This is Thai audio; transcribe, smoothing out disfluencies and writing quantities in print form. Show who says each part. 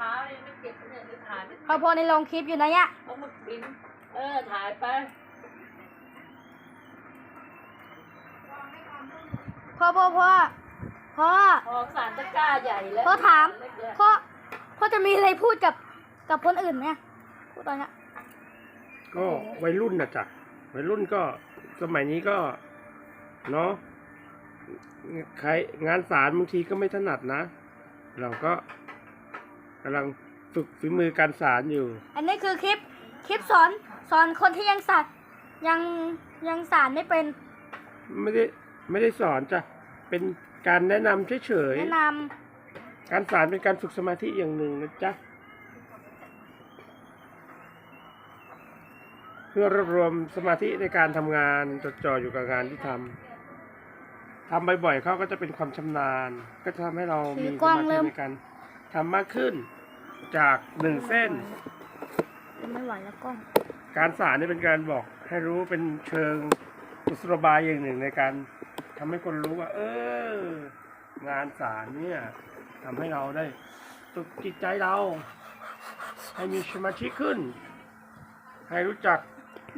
Speaker 1: ช้าเลยไม่เก็บเนี่ยจะถ่ายไม่
Speaker 2: พอในลงคลิปอยู่นะเนี่ย
Speaker 1: เอามากินถ่ายไป
Speaker 2: พ่อ
Speaker 1: พอสารตะกร้าใหญ่แล้ว
Speaker 2: พ่อถาม
Speaker 1: เล็กเนี่ย
Speaker 2: พ่อจะมีอะไรพูดกับคนอื่นไหมพูดตอนนี้
Speaker 3: ก็วัยรุ่นนะจ๊ะวัยรุ่นก็สมัยนี้ก็เนาะใครงานสารบางทีก็ไม่ถนัดนะ เราก็กำลังฝึกฝีมือการสารอยู่
Speaker 2: อันนี้คือคลิปสอนคนที่ยังสารไม่เป็น
Speaker 3: ไม่ได้สอนจ้ะเป็นการแนะนำเฉย
Speaker 2: แนะน
Speaker 3: ๆการสารเป็นการฝึกสมาธิอย่างหนึ่งนะจ๊ะเพื่อรวบรวมสมาธิในการทำงานจดจ่ออยู่กับงานที่ทำบ่อยๆเขาก็จะเป็นความชำนาญ ก็จะทำให้เรามีสมาธิในการทำมากขึ้นจาก1 เส้น
Speaker 2: ำไม่ไหวแล้วกล้อง
Speaker 3: การสารนี่เป็นการบอกให้รู้เป็นเชิงกุศโลบายอย่างหนึ่งในการทำให้คนรู้ว่า งานสารเนี่ยทำให้เราได้ฝึกจิตใจเรา ให้มีสมาธิขึ้น ให้รู้จัก